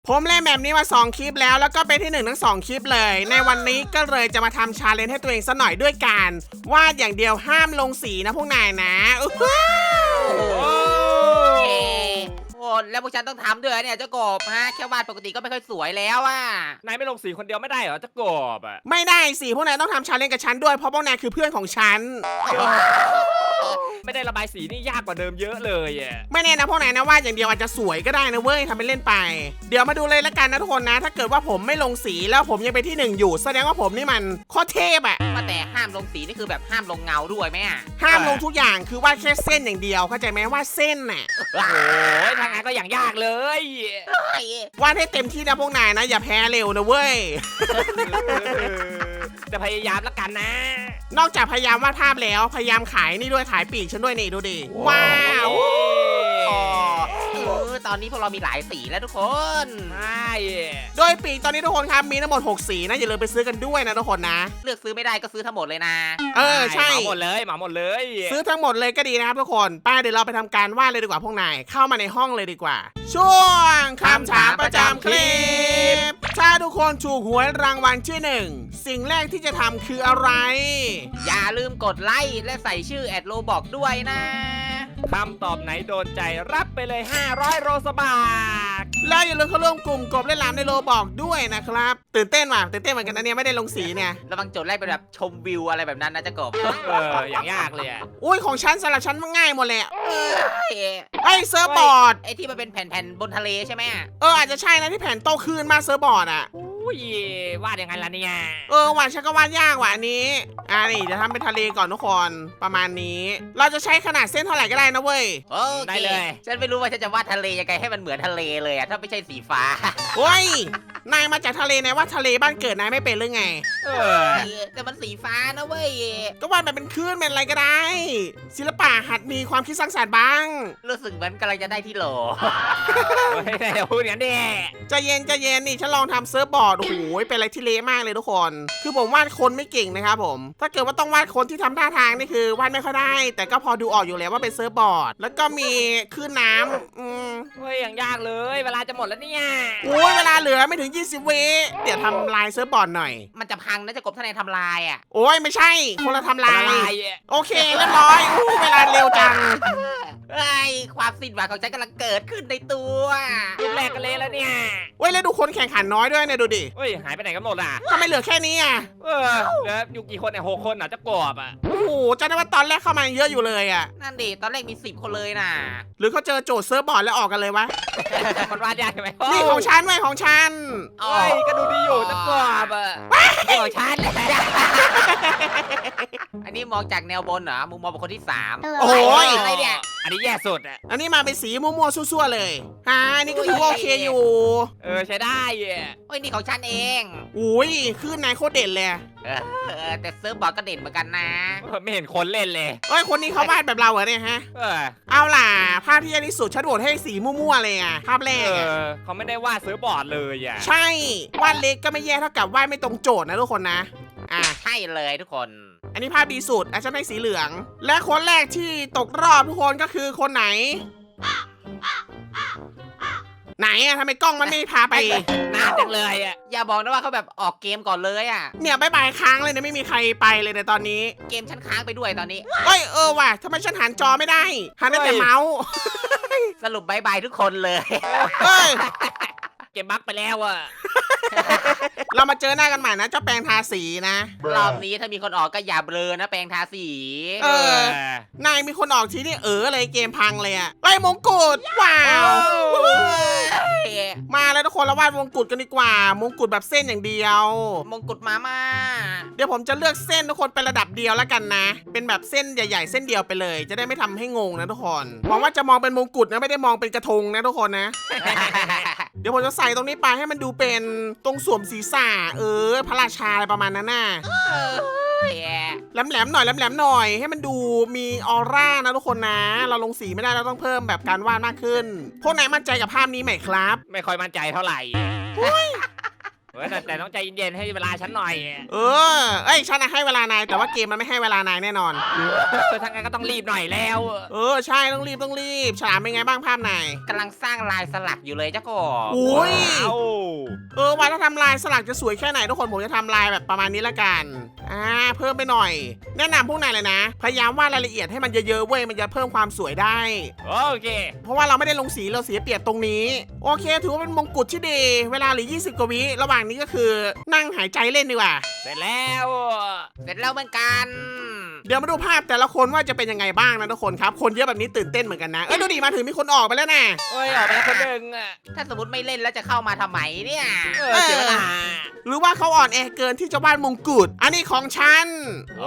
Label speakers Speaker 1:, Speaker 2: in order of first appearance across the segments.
Speaker 1: ผมเล่นแบบนี้มา2คลิปแล้วก็เป็นที่1ทั้ง2คลิปเลยในวันนี้ก็เลยจะมาทำชาเลนจ์ให้ตัวเองซะหน่อยด้วยการวาดอย่างเดียวห้ามลงสีนะพวกนายนะ
Speaker 2: โอ้แล้วพวกฉันต้องทำด้วยเนี่ยเจ้ากบฮะแค่วาดปกติก็ไม่ค่อยสวยแล้วอ่ะ
Speaker 3: นายไม่ลงสีคนเดียวไม่ได้เหรอเจ้ากบอ่ะ
Speaker 1: ไม่ได้สิพวกนายต้องทำชาเลนจ์กับฉันด้วยเพราะพวกนายคือเพื่อนของฉัน
Speaker 3: ไม่ได้ระบายสีนี่ยากกว่าเดิมเยอะเลยอ่ะ
Speaker 1: ไม่แน่นะพวกนายนะวาดอย่างเดียวอาจจะสวยก็ได้นะเว้ยทำเป็นเล่นไปเดี๋ยวมาดูเลยละกันนะทุกคนนะถ้าเกิดว่าผมไม่ลงสีแล้วผมยังเป็นที่1อยู่แสดงว่าผมนี่มันโคตรเทพอะ
Speaker 2: ว่าแต่ห้ามลงสีนี่คือแบบห้ามลงเงาด้วยไหมอ่ะ
Speaker 1: ห้ามลงทุกอย่างคือวาดแค่เส้นอย่างเดียวเข้าใจไหมวาดเส้นน่ะ
Speaker 3: โอ้ยทางงานก็อย่างยากเล
Speaker 1: ยวาดให้เต็มที่นะพวกนายนะอย่าแพ้เร็วนะเว้ย
Speaker 3: จะพยายามแล้วกันนะ
Speaker 1: นอกจากพยายามวาดภาพแล้วพยายามขายนี่ด้วยขายปีกฉันด้วยนี่ดูดิว้าว
Speaker 2: ตอนนี้พวกเรามีหลายสีแล้วทุกคน
Speaker 3: ใช่
Speaker 1: โดยปีกตอนนี้ทุกคนครับมีทั้งหมด6สีนะอย่าลืมไปซื้อกันด้วยนะทุกคนนะ
Speaker 2: เลือกซื้อไม่ได้ก็ซื้อทั้งหมดเลยนะ
Speaker 1: ใช่
Speaker 3: เหมาหมดเลย
Speaker 1: ซื้อทั้งหมดเลยก็ดีนะครับทุกคนป้าเดี๋ยวเราไปทำการวาดเลยดีกว่าพวกนายเข้ามาในห้องเลยดีกว่าช่วงคำถามประจำคลิปถ้าทุกคนถูกหวยรางวัลที่1สิ่งแรกที่จะทำคืออะไร
Speaker 2: อย่าลืมกดไลค์และใส่ชื่อ@Robloxด้วยนะ
Speaker 3: คำตอบไหนโดนใจรับไปเลย500โรสบาท
Speaker 1: แล้วอย่าลืมเข้าร่วมกลุ่มกบเล่นลามในโลบอกด้วยนะครับตื่นเต้นเหมือนกันนะเนี่ยไม่ได้ลงสีเนี่ย
Speaker 2: ระวังโจทย์แรกเป็นแบบชมวิวอะไรแบบนั้นนะจะกบ
Speaker 3: อย่างยากเลยอ่ะ
Speaker 1: อุ้ยของฉันสำหรับฉันมันง่ายหมดเลยไอ้เซิร์ฟบอร์ด
Speaker 2: ไอ้ที่มันเป็นแผ่นๆบนทะเลใช่ไหม
Speaker 1: อาจจะใช่นะที่แผ่นโตขึ้นมาเซิร์ฟบอร์ดอ่ะ
Speaker 3: วาดยังไงล่ะเนี่ย
Speaker 1: วาดฉันก็วาดยากว่ะอันนี้นี่จะทำเป็นทะเลก่อนทุกคนประมาณนี้เราจะใช้ขนาดเส้นเท่าไหร่ก็ได้นะเว้ย
Speaker 2: ได้เลยฉันไม่รู้ว่าฉันจะวาดทะเลยังไงให้มันเหมือนทะเลเลยอะถ้าไม่ใช่สีฟ้า
Speaker 1: โอ้ยนายมาจากทะเลนายว่าทะเลบ้านเกิดนายไม่เป็นหรือไง
Speaker 2: แต่มันสีฟ้านะเว้ย
Speaker 1: ก็วาดแบบเป็นคลื่นเป็นอะไรก็ได้ศิลปะหัดมีความคิดสร้างสรรค์บ้าง
Speaker 2: รู้สึกเหมือนกำลังจะได้ที่โหล
Speaker 3: ไม่ได้พูดอย่างนี้
Speaker 1: ใจเย็นนี่ฉันลองทำเซิร์ฟบอร์ดโอ้โหเป็นอะไรที่เละมากเลยทุกคนคือผมวาดคนไม่เก่งนะครับผมถ้าเกิดว่าต้องวาดคนที่ทำท่าทางนี่คือวาดไม่ค่อยได้แต่ก็พอดูออกอยู่แล้วว่าเป็นเซิร์ฟบอร์ดแล้วก็มีคลื่นน้ำ
Speaker 3: เฮ้ยอย่างยากเลยเวลาจะหมดแล้วเนี่ย
Speaker 1: เวลาเหลือไม่ถึง20วิเดี๋ยวทำลายเซิร์ฟบอร์ดหน่อย
Speaker 2: มันจะพังนะจะกบท่านในทำลายอ่ะ
Speaker 1: โอ้ยไม่ใช่คนละทำลายโอเคเรียบร้อยเวลาเร็วจัง
Speaker 2: ความสิ้นหวังของฉันกำลังเกิดขึ้นในตัว
Speaker 3: รูปแรกกันเลยแล้วเนี่ย
Speaker 1: แล้วดูคนแข่งขันน้อยด้วยเนี่ยดูดิ
Speaker 3: หายไปไหนกันหมดอ่ะ
Speaker 1: ทำไมเหลือแค่นี้อ่ะ
Speaker 3: เหลืออยู่กี่คนเนี่ย6 คนจะกรอบอ่ะ
Speaker 1: โอ้โหจำได้ว่าตอนแรกเข้ามาเยอะอยู่เลยอ่ะ
Speaker 2: นั่นดิตอนแรกมี10 คนเลยน่ะ
Speaker 1: หรือเขาเจอโจทย์เซิร์ฟบอร์ดแล้วออกกันเลยวะ
Speaker 3: มันวาดยากใช่ไหม
Speaker 1: นี่ของฉันไว้ของฉัน
Speaker 3: ก็ดูดีอยู่จะกรอบอ่ะ
Speaker 2: ของฉันอันนี้มองจากแนวบนเหรอมุมมองเป็นคนที่3
Speaker 1: โอ้ย
Speaker 2: อะไรเนี่ย
Speaker 3: อันนี้แย่สุดอ่ะ
Speaker 1: อันนี้มาเป็นสีมั่วๆซั่วๆเลยอันนี้ก็ถือว่าโอเคอยู่
Speaker 3: ใช้ได้
Speaker 2: นี่ของฉันเอง
Speaker 1: อุ้ยคือนายโคตรเด่นเลย
Speaker 2: แต่เซิร์ฟบอร์ดก็เด่นเหมือนกันนะ
Speaker 3: ไม่เห็นคนเล่นเลย
Speaker 1: คนนี้เขาวาดแบบเราเหรอเนี่ยฮะเอาล่ะภาพที่ยากที่สุดฉันโหวตให้สีมั่วๆเลยอ่ะภาพแรก
Speaker 3: เขาไม่ได้วาดเซิร์ฟบอร์ดเลยอ่ะ
Speaker 1: ใช่วาดเล็กก็ไม่แย่เท่ากับวาดไม่ตรงโจทย์นะทุกคนนะ
Speaker 2: ใช่เลยทุกคน
Speaker 1: อันนี้ภาพดีสุดฉันให้สีเหลืองและคนแรกที่ตกรอบทุกคนก็คือคนไหนทำไมกล้องมันไม่พาไป
Speaker 3: นานจังเลย
Speaker 2: อย่าบอกนะว่าเขาแบบออกเกมก่อนเลย
Speaker 1: เนี่ยบายค้างเลยเนี่ยไม่มีใครไปเลยในตอนนี้
Speaker 2: เกมฉันค้างไปด้วยตอนนี้
Speaker 1: ว่ะทำไมฉันหันจอไม่ได้หันได้แต่เมาส์
Speaker 2: สรุปบายทุกคนเลย
Speaker 3: เกมบั๊กไปแล้ว
Speaker 1: เรามาเจอหน้ากันใหม่นะเจ้าแปรงทาสีนะ
Speaker 2: รอบนี้ถ้ามีคนออกก็อย่าเบลอนะแปรงทาสี
Speaker 1: นายมีคนออกทีนี่เลยเกมพังเลยมงกุฎว้าวมาแล้วทุกคนเราวาดมงกุฎกันดีกว่ามงกุฎแบบเส้นอย่างเดียว
Speaker 2: มงกุฎมา
Speaker 1: เดี๋ยวผมจะเลือกเส้นทุกคนเป็นระดับเดียวแล้วกันนะเป็นแบบเส้นใหญ่ๆเส้นเดียวไปเลยจะได้ไม่ทำให้งงนะทุกคนหวังว่าจะมองเป็นมงกุฎนะไม่ได้มองเป็นกระทงนะทุกคนนะ เดี๋ยวผมจะใส่ตรงนี้ไปให้มันดูเป็นตรงสวมศีรษะพระราชาอะไรประมาณนั้นน่ะแหลมๆหน่อยให้มันดูมีออร่านะทุกคนนะเราลงสีไม่ได้เราต้องเพิ่มแบบการวาดมากขึ้นพวกนายมั่นใจกับภาพนี้ไหมครับ
Speaker 3: ไม่ค่อยมั่นใจเท่าไหร่แต่ต้องใจเย็นๆให้เวลาฉันหน่อย
Speaker 1: เอ้ยฉันให้เวลานายแต่ว่าเกมมันไม่ให้เวลานายแน่นอน
Speaker 3: ทางนั้นก็ต้องรีบหน่อยแล้ว
Speaker 1: ใช่ต้องรีบฉลามเป็นไงบ้างภาพนาย
Speaker 2: กำลังสร้างลายสลักอยู่เลยเจ้ากบ
Speaker 1: อุ้ย
Speaker 3: ว้าว
Speaker 1: ว่าถ้าทำลายสลักจะสวยแค่ไหนทุกคนผมจะทำลายแบบประมาณนี้ละกันเพิ่มไปหน่อย แนะนำพวกนายเลยนะพยายามวาดรายละเอียดให้มันเยอะๆเว้ยมันจะเพิ่มความสวยได้
Speaker 3: โอเค
Speaker 1: เพราะว่าเราไม่ได้ลงสีเราเสียเปรียบตรงนี้โอเคถือว่าเป็นมงกุฎที่ดีเวลาเหลือ20กว่าวิระหว่างนี้ก็คือนั่งหายใจเล่นดีกว่า
Speaker 3: เสร็จแล้ว
Speaker 2: เสร็จแล้วเหมือนกัน
Speaker 1: เดี๋ยวมาดูภาพแต่ละคนว่าจะเป็นยังไงบ้างนะทุกคนครับคนเยอะแบบนี้ตื่นเต้นเหมือนกันนะดูดิมาถึงมีคนออกไปแล้วนะ
Speaker 3: เอ้ยออกไปแล้วคนหนึ่ง
Speaker 2: ถ้าสมมติไม่เล่นแล้วจะเข้ามาทำไมเนี่ย
Speaker 3: เสียเวลา
Speaker 1: หรือว่าเขาอ่อนแอเกินที่จะวาดมงกุฎอันนี้ของฉัน
Speaker 3: โอ้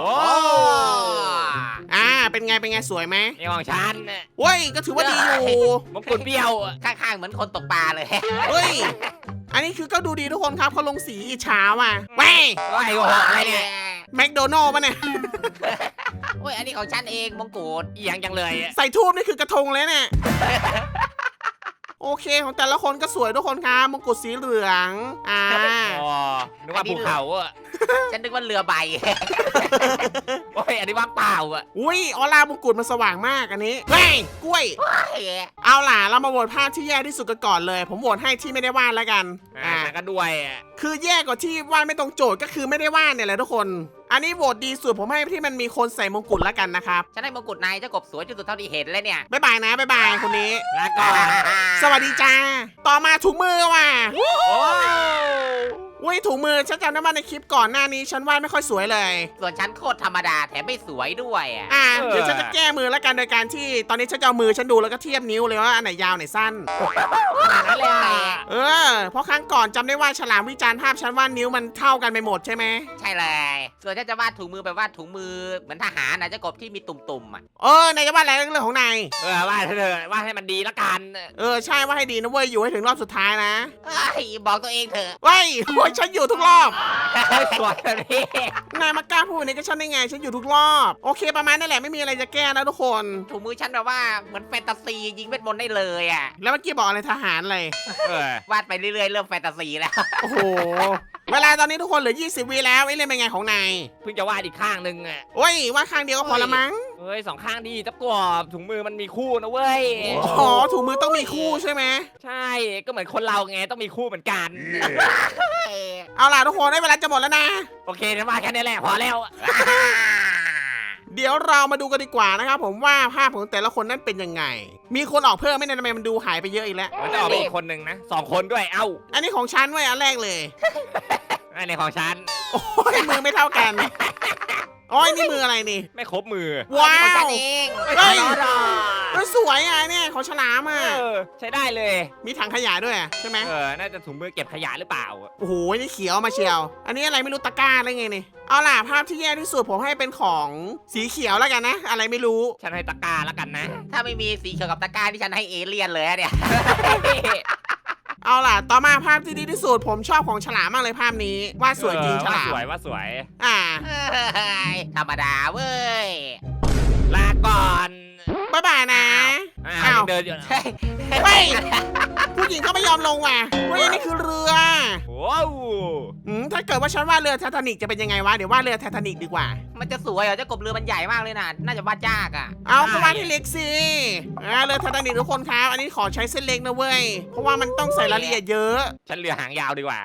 Speaker 1: เป็นไงสวยไหม
Speaker 3: นี่ของฉัน
Speaker 1: เว้ยก็ถือว่าดีอยู่
Speaker 3: มงกุฎเบี้ยว
Speaker 2: ข้างๆเหมือนคนตกปลาเลย
Speaker 1: เฮ้ยอันนี้คือก็ดูดีทุกคนครับเขาลงสีอิจฉาว่ะแว้ย
Speaker 3: โอ้ยโอ้โหอะไรเนี่ย
Speaker 1: แมคโดนัลล์ป่ะเนี่ย
Speaker 2: โอ้ยอันนี้ของฉันเองมงกุฎ
Speaker 3: เอียงจังเลย
Speaker 1: ใส่ทูบนี่คือกระทงเลยเนี่ยโอเคของแต่ละคนก็สวยทุกคนครับมงกุฎสีเหลือง
Speaker 3: อ๋อนึกว่าภูเขาอ่ะ
Speaker 2: ฉันนึกว่าเรือใบ
Speaker 3: โอ้ยอันนี้ว่างเปล่าอ่ะ
Speaker 1: อุ้ยออร่ามงกุฎมันสว่างมากอันนี้เฮ้ยกล้วยเอาล่ะเรามาโหวตภาพที่แย่ที่สุดกันก่อนเลยผมโหวตให้ที่ไม่ได้วาดแล้วกัน
Speaker 3: ก็ด้วย
Speaker 1: คือแย่กว่าที่วาดไม่ตรงโจทย์ก็คือไม่ได้วาดเนี่ยแหละทุกคนอันนี้โหวตดีสุดผมให้ที่มันมีคนใส่มงกุฎแล้วกันนะครับ
Speaker 2: ฉันให้มงกุฎนายเจ้ากบสวยที่สุดเท่าที่เห็นเลยเนี่ย
Speaker 1: บ๊ายบายนะบ๊ายบายคนนี้
Speaker 3: ลาก่อน
Speaker 1: สวัสดีจ้าต่อมาถุงมือว่ะ
Speaker 3: โอ้
Speaker 1: อุ้ยถุงมือฉันจำได้ว่าในคลิปก่อนหน้านี้ฉันวาดไม่ค่อยสวยเลย
Speaker 2: ส่วนฉันโคตรธรรมดาแถมไม่สวยด้วยอ่ะ
Speaker 1: เดี๋ยวฉันจะแก้มือแล้วกันโดยการที่ตอนนี้ฉันจะเอามือฉันดูแล้วก็เทียบนิ้วเลยว่าอันไหนยาวไหนสั้น
Speaker 3: ขนาดนั้นเลยอ่ะ
Speaker 1: เพราะครั้งก่อนจำได้ว่าฉลามวิจารณ์ภาพฉันว่านิ้วมันเท่ากันไปหมดใช่ไหม
Speaker 2: ใช่เลยส่วนฉันจะวาดถุงมือแบบวาดถุงมือเหมือนทหารนะเจ้ากบที่มีตุ่มๆอ่ะ
Speaker 1: นายจะวาดอะไรเรื่องของนาย
Speaker 3: ว่าเธอว่าให้มันดีละกัน
Speaker 1: ใช่ว่าให้ดีนะเว้ยอยู่ให้ถึงรอบสุดท้ายนะ
Speaker 2: บอกตัวเองเถอะ
Speaker 1: เว้ยโอ้ยฉันอยู่ทุกรอบ
Speaker 3: สวยแบบนี้
Speaker 1: นายมากล้าพูดในกับฉันได้ไงฉันอยู่ทุกรอบโอเคประมาณนั่นแหละไม่มีอะไรจะแก้นะทุกคน
Speaker 2: ถุงมือฉันแบบว่าเหมือนแฟนตาซียิงเวทมนต์ได้เลยอ่ะ
Speaker 1: แล้วเมื่อกี้บอกอะไรทหารเลยว
Speaker 2: าดไปเรื่อยๆเริ่มแฟนตาซีแล้ว
Speaker 1: โอ้โหเวลาตอนนี้ทุกคนเหลือ20วิแล้วไอ้เล่นเป็นไงของนาย
Speaker 3: เพิ่งจะวาดอีกข้างหนึ่งอ่ะ
Speaker 1: โอ้ยวาดข้างเดียวก็พอละมั้ง
Speaker 3: เฮ้ยสองข้างดีตะกบถุงมือมันมีคู่นะเว้ย
Speaker 1: อ๋อถุงมือต้องมีคู่ใช่ไหม
Speaker 3: ใช่ก็เหมือนคนเราไงต้องมีคู่เหมือนกัน
Speaker 1: เอาล่ะทุกคนได้เวลาจะหมดแล้วนะ
Speaker 3: โอเคนะมาแค่นี้แหละพอแล้ว
Speaker 1: เดี๋ยวเรามาดูกันดีกว่านะครับผมว่าภาพของแต่ละคนนั้นเป็นยังไง มีคนออกเพิ่มไหม่เนี่ยทำไมมันดูหายไปเยอะอีกแล้ว
Speaker 3: มันจะออกไปอีกคนหนึ่งนะ2 คนด้วยเอ้า
Speaker 1: อันนี้ของฉันไว้ยอันแรกเลย
Speaker 3: อันนี้ของฉัน
Speaker 1: โอ้ยมือไม่เท่ากันโอ้ยนี่มืออะไรนี่
Speaker 3: ไม่ครบมือ
Speaker 1: ว้า
Speaker 2: ของฉั
Speaker 1: วน
Speaker 2: เอง
Speaker 1: เฮ้ย
Speaker 3: รอ
Speaker 1: สวยอ่ะเนี่ยของฉลามอ่ะ
Speaker 3: ใช้ได้เลย
Speaker 1: มีถังขยะด้วยใช่ไหม
Speaker 3: น่าจะถุงมือเก็บขยะหรือเปล่า
Speaker 1: โอ้โหนี่เขียวมาเชียว อันนี้อะไรไม่รู้ตะกร้าอะไรไงนี่เอาล่ะภาพที่แย่ที่สุดผมให้เป็นของสีเขียวแล้วกันนะ อะไรไม่รู้
Speaker 3: ฉันให้ตะกร้าแล้วกันนะ
Speaker 2: ถ้าไม่มีสีเขียวกับตะกร้าที่ฉันให้เอเลี่ยนเลยอะเนี่ย
Speaker 1: เอาล่ะต่อมาภาพที่ดีที่สุดผมชอบของฉลามมากเลยภาพนี้วาดสวยจริงฉลาม
Speaker 3: ว่าสวย
Speaker 2: ธรรมดาเว้ย
Speaker 3: ลาก่อน
Speaker 1: บ๊ายบายนะ
Speaker 3: อ้าวเดินอยู่
Speaker 2: เฮ้ย
Speaker 1: เฮ้ยผู้หญิงก็ไม่ยอมลงว่ะเฮ้ยนี่คือเรือ
Speaker 3: ว้าว
Speaker 1: ถ้าเกิดว่าฉันวาดเรือไททานิกจะเป็นยังไงวะเดี๋ยววาดเรือไททานิกดีกว่า
Speaker 2: มันจะสวยเหรอเจ้ากบเรือมันใหญ่มากเลยนะน่าจะวาดยากอ่ะ
Speaker 1: เอาก็วาดให้เล็กสิเรือไททานิกทุกคนครับอันนี้ขอใช้เส้นเล็กนะเว้ยเพราะว่ามันต้องใส่รายละเอียดเยอะ
Speaker 3: ฉันเรือหางยาวดีกว่า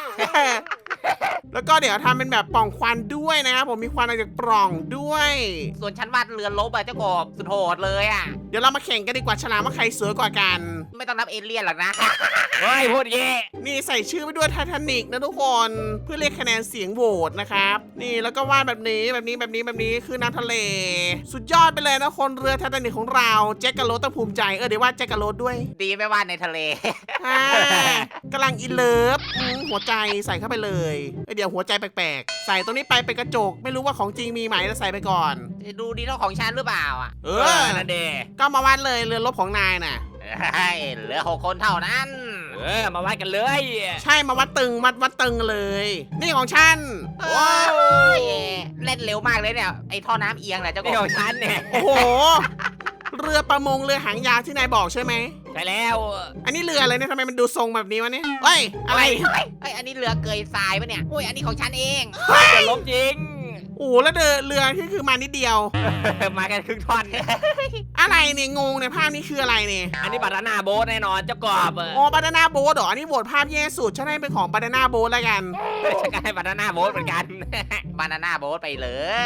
Speaker 1: แล้วก็เดี๋ยวทำเป็นแบบปล่องควันด้วยนะครับผมมีควันออกจากปล่องด้วย
Speaker 2: ส่วนฉันวาดเรือลบอะเจ้ากบสุดโหดเลยอ่ะ
Speaker 1: เดี๋ยวเรามาแข่งกันดีกว่าฉลามว่าใครสวยกว่ากัน
Speaker 2: ไม่ต้องนับเอเลี่ยนหรอกนะ
Speaker 3: เฮ้ยพูดเย่
Speaker 1: นี่ใส่ชื่อไปด้วยไททานิกนะทุกคน เพื่อเรียกคะแนนเสียงโหวตนะครับนี่แล้วก็วาดแบบนี้คือน้ำทะเล สุดยอดไปเลยนะคนเรือไททานิกของเราแจ็คกะโรสต้องภูมิใจเดี๋ยววาดแจ็คกะโรสด้วย
Speaker 2: ดีไม่วาดในทะเล
Speaker 1: กำลังอินเลิฟหัวใจใส่เข้าไปเลยเดี๋ยวหัวใจแปลกๆใส่ตรงนี้ไปเป็นกระจกไม่รู้ว่าของจริงมีไหมแล้วใส่ไปก่อน
Speaker 2: ดูดีเท่าของฉันหรือเปล่าอ่ะ
Speaker 3: นั่นเด
Speaker 1: ก็มาวาดเลยเรือรบของนายน่ะ
Speaker 2: เหลือ6 คนเท่านั้น
Speaker 3: มาวัดกันเลย
Speaker 1: ใช่มาวัดตึงวัดตึงเลย นี่ของฉัน
Speaker 2: ว้าวเล่นเร็วมากเลยเนี่ยไอ้ท่อน้ำเอียงแหละเจ้าก
Speaker 3: นี่ข
Speaker 2: บ
Speaker 3: องฉันเนี่ย
Speaker 1: โอ้โห เรือประมงเรือหางยาวที่นายบอกใช่ไหม
Speaker 3: ใช่แล้ว
Speaker 1: อันนี้เรืออะไรเนี่ยทำไมมันดูทรงแบบนี้วะเนี่ยเฮ้ยอะไร
Speaker 2: เฮ้ยอันนี้เรือเกยทรายปะเนี่ยอุ้ยอันนี้ของฉันเอง
Speaker 3: จะล้มจริง
Speaker 1: โอ้แล้วเรือที่คือมานิดเดียว
Speaker 3: มากันครึ่งท่อน
Speaker 1: อะไรเนี่ยงงเนี่ยภาพนี้คืออะไรเนี่ย
Speaker 3: อันนี้บานาน่าโบ๊ทแน่นอนเจ้ากบ
Speaker 1: อ๋อบานาน่าโบ๊ทเหรออันนี้โหวตภาพแย่สุดฉันให้เป็นของบานาน่าโบ๊ทแล้วกัน
Speaker 3: ฉันก็ให้บานาน่าโบ๊ทเหมือนกัน
Speaker 2: บานาน่าโบ๊ทไปเลย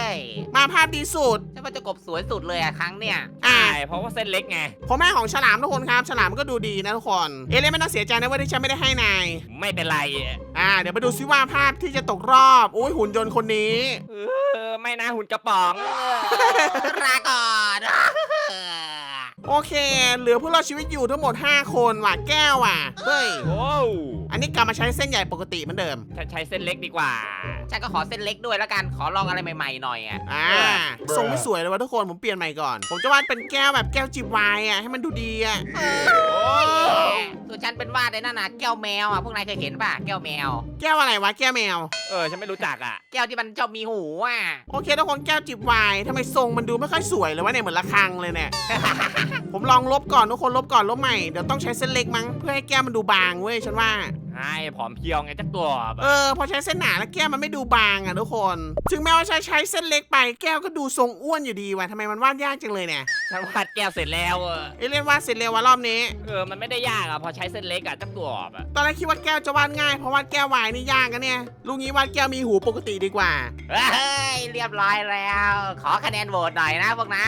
Speaker 1: มาภาพดีสุด
Speaker 2: ฉันว่าเจ้ากบสวยสุดเลยอะครั้งเนี่ย
Speaker 1: อ่า
Speaker 3: ใช่เพราะว่าเส้นเล็กไง
Speaker 1: ผมให้ของฉลามทุกคนครับฉลามก็ดูดีนะทุกคนเอเลี่ยนไม่ต้องเสียใจนะว่าที่ฉันไม่ได้ให้นาย
Speaker 3: ไม่เป็นไร
Speaker 1: เดี๋ยวมาดูซิว่าภาพที่จะตกรอบอุ้ยหุ่นยนต์คนนี้
Speaker 3: ไม่นะหุ่นกระป๋อง
Speaker 2: ลาก่อน
Speaker 1: โอเค เหลือผู้รอดชีวิตอยู่ทั้งหมด 5 คนว่ะแก้วว่ะเฮ้ย
Speaker 3: โอ้
Speaker 1: อันนี้กลับมาใช้เส้นใหญ่ปกติเหมือนเดิม
Speaker 3: ฉันใช้เส้นเล็กดีกว่า
Speaker 2: ฉันก็ขอเส้นเล็กด้วยแล้วกัน ขอลองอะไรใหม่ๆหน่อยอะ
Speaker 1: ทรงไม่สวยเลยวะทุกคนผมเปลี่ยนใหม่ก่อน ผมจะวาดเป็นแก้วแบบแก้วจิบไวน์ให้มันดูดีอ่ะ
Speaker 2: ส่วนฉันเป็นวาดในนั่นน่ะแก้วแมวอ่ะพวกนายเคยเห็นป่ะแก้วแมว
Speaker 1: แก้วอะไรวะแก้วแมว
Speaker 3: ฉันไม่รู้จักอ่ะ
Speaker 2: แก้วที่มันชอบมีหูอ่ะ
Speaker 1: โอเคทุกคนแก้วจิบไวน์ทำไมทรงมันดูไม่ค่อยสวยเลยวะเนี่ยเหมือนระฆังเลยเนี่ย ผมลองลบก่อนทุกคนลบก่อนลบใหม่เดี๋ยวต้องใช้เส้นเล็กมั้งเพื่อให้แก้วมันดูบางเว้ยฉันว่า
Speaker 3: ใช่ผอมเพรียวไงเจ้ากบ
Speaker 1: พอใช้เส้นหนาแล้วแก้วมันไม่ดูบางอ่ะทุกคน ถึงแม้ว่าใช้เส้นเล็กไปแก้วก็ดูทรงอ้วนอยู่ดีว่ะทำไมมันวาดยากจังเลยเนี่ย
Speaker 3: ฉันวาดแก้วเสร็จแล้ว
Speaker 1: เอเลี่ยนวาดเสร็จเร็วว่ะรอบนี้
Speaker 3: มันไม่ได้ยากอ่ะพอใช้เส้นเล็กอ่ะเจ้ากบอ่ะ
Speaker 1: ตอนแรกคิดว่าแก้วจะวาดง่ายเพราะวาดแก้ววายนี่ยากกันเนี่ยลุงนี้วาดแก้วมีหูปกติดีกว่า
Speaker 2: เฮ้ยเรียบร้อยแล้ว ขอคะแนนโหวตหน่อยนะพวกนาย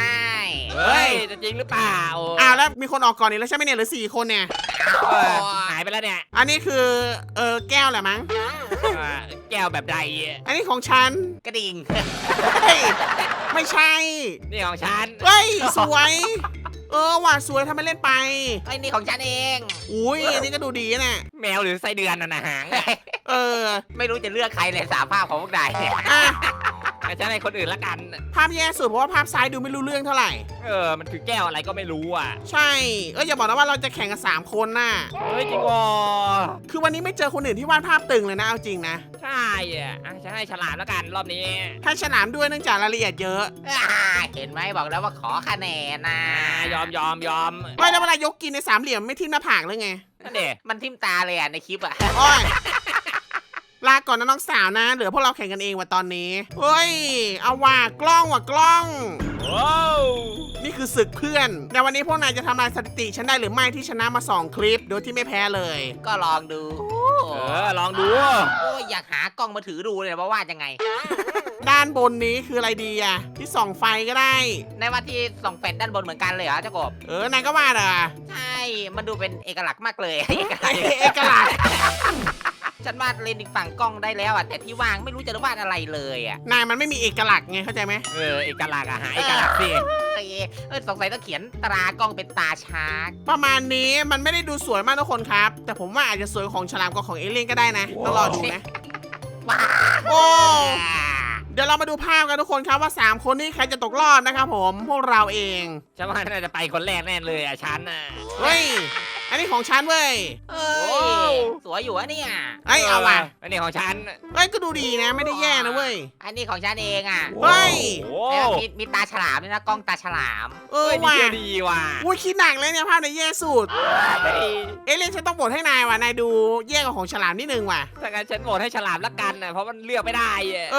Speaker 3: เฮ้ยจะจริงหรือเปล่า
Speaker 1: แล้วมีคนออกก่อนนี่แล้วใช่ไหมเนี่ยเหลือ4 คนเนี่ย
Speaker 3: หายไปแล้วเนี่ย
Speaker 1: อันนี้คือแก้วแหละมั้ง
Speaker 3: แก้วแบบใด
Speaker 1: อันนี้ของฉัน
Speaker 2: กระดิ่ง
Speaker 1: เฮ้ยไม่ใช่
Speaker 3: นี่ของฉัน
Speaker 1: เฮ้ยสวยว่ะสวยทำไมเล่นไป
Speaker 2: ไอ้นี่ของฉันเอง
Speaker 1: อุ้ยอันนี้ก็ดูดีนะ
Speaker 3: แมวหรือไส้เดือนน่ะนะหาง
Speaker 2: ไม่รู้จะเลือกใครเลย3 ภาพของพวกนาย
Speaker 1: อ่ะ
Speaker 3: ฉันให้คนอื่นละกัน
Speaker 1: ภาพแย่สุดเพราะว่าภาพซ้ายดูไม่รู้เรื่องเท่าไหร่
Speaker 3: มันคือแก้วอะไรก็ไม่รู้อ่ะ
Speaker 1: ใช่อย่าบอกนะว่าเราจะแข่งกัน3 คนน่ะ
Speaker 3: เฮ้ยจริงอ๋อ
Speaker 1: คือวันนี้ไม่เจอคนอื่นที่วาดภาพตึงเลยนะเอาจริงนะ
Speaker 3: ใช่ฉันให้ฉลามละกันรอบนี้
Speaker 1: ถ้าฉลามด้วยเนื่องจากรายละเอียดเยอะ
Speaker 2: เห็นไหมบอกแล้วว่าขอคะแนนนะ
Speaker 3: ยอม
Speaker 1: ไม่แล้วเวลายกกินใน3 เหลี่ยมไม่ทิ่มหน้าผากเลยไง
Speaker 3: นั่นเด็
Speaker 2: มันทิ่มตาเลยในคลิปอ่ะ
Speaker 1: โอ้ยลาก่อนนะน้องสาวนะเหลือพวกเราแข่งกันเองว่ะตอนนี้เฮ้ยเอาว่ะกล้อง
Speaker 3: ว้าว
Speaker 1: นี่คือศึกเพื่อนในวันนี้พวกนายจะทำลายสถิติฉันได้หรือไม่ที่ชนะมา2 คลิปโดยที่ไม่แพ้เลย
Speaker 2: ก็ลองดู
Speaker 3: ลองดู
Speaker 2: โอ้ยอยากหากล้องมาถือดูเลยว่าวาดยังไง
Speaker 1: ด้านบนนี้คืออะไรดีอะที่ส่องไฟก็ได้
Speaker 2: ในว่าที่ส่องแฟลชด้านบนเหมือนกันเลยเหรอเจ้ากบ
Speaker 1: นายก็วาดอ่ะ
Speaker 2: ใช่ มันดูเป็นเอกลักษณ์มากเลย
Speaker 1: เอกลักษณ์
Speaker 2: ฉันวาดเลนอีกฝั่งกล้องได้แล้วอ่ะแต่ที่วางไม่รู้จะวาดอะไรเลยอ่ะ
Speaker 1: นายมันไม่มีเอกลักษณ์ไงเข้าใจไหม
Speaker 3: เอกลักษณ์หาเอกลักษณ์สิ
Speaker 2: สงสัยต้องเขียนตรากล้องเป็นตาช้าง
Speaker 1: ประมาณนี้มันไม่ได้ดูสวยมากทุกคนครับ แต่ผมว่าอาจจะสวยของฉลามกับของเอเลี่ยนก็ได้นะต้องรอดูนะ
Speaker 2: ว้า
Speaker 1: โอ้เดี๋ยวเรามาดูภาพกันทุกคนครับว่า3 คนนี้ใครจะตกรอบนะครับผมพวกเราเอง
Speaker 3: ฉันว่าน่าจะไปคนแรกแน่เลยฉันน่ะ
Speaker 1: เฮ้ยอันนี้ของฉันเว้ย
Speaker 2: เอ้ยสวยอยู่อะเนี่ย
Speaker 1: เอาว่ะ
Speaker 3: อันนี้ของฉัน
Speaker 1: ก็ดูดีนะไม่ได้แย่นะเว้ย
Speaker 2: อันนี้ของฉันเองอ่ะ
Speaker 1: เฮ้ย
Speaker 2: แล้วมีตาฉลามด้วยนะกล้องตาฉลาม
Speaker 1: ว่ะ
Speaker 3: ดีว่ะ
Speaker 1: อุ้ยคิดหนักเลยเนี่ยภาพในแย่สุดเอเลี่ยนฉันต้องบทให้นายว่ะนายดูแย่กว่าของฉลามนิดนึงว่ะ
Speaker 3: ถ้างั้นฉันโหวตให้ฉลามละกันนะเพราะมันเลือกไม่ได้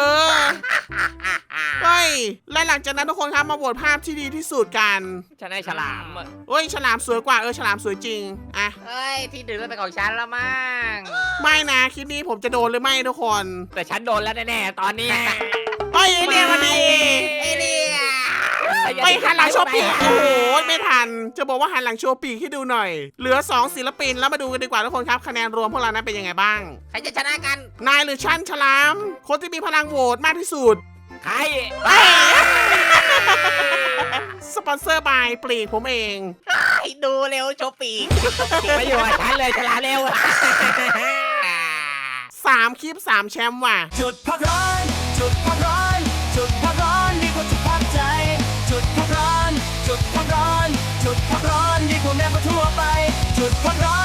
Speaker 1: เฮ้ยและหลังจากนั้นทุกคนครับมาโหวตภาพที่ดีที่สุดกัน
Speaker 3: ฉันให้ฉลาม
Speaker 1: เฮ้ยฉลามสวยกว่าฉลามสวยจริงอะ
Speaker 2: เฮ้ยที่ดึงเป็นของฉันแล้วมั้ง
Speaker 1: ไม่นะคลิปนี้ผมจะโดนหรือไม่ทุกคน
Speaker 3: แต่ฉันโดนแล้วแน่ๆตอนนี้
Speaker 1: เฮ้ยเอเลี่ยนมาดี
Speaker 2: ไอ้เนี่ย
Speaker 1: ไปหันหลังโชว์ปีกโอ้โหไม่ทันจะบอกว่าหันหลังโชว์ปีกให้ดูหน่อย เหลือ2 ศิลปินแล้วมาดูกันดีกว่าทุกคนครับคะแนนรวมพวกเรานั้นเป็นยังไงบ้าง
Speaker 2: ใครจะชนะกัน
Speaker 1: นายหรือฉันฉลาม คนที่มีพลังโหวตมากที่สุด
Speaker 3: ใคร
Speaker 1: สปอนเซอร์บายปลีกผมเอง
Speaker 2: ให้ดูเร็วโชว์ปีก
Speaker 3: ไม่อยู่กับฉันเลยฉลามเร็ว
Speaker 1: 3 คลิป 3 แชมป์ว่ะ
Speaker 4: จุดพักร้อนจุดพักร้อนจุดพักร้อนดีกว่าจุดพักใจ จุดพักร้อนจุดพักร้อนจุดพักร้อนดีกว่าแม่ก็ทั่วไป จุดพักร้อน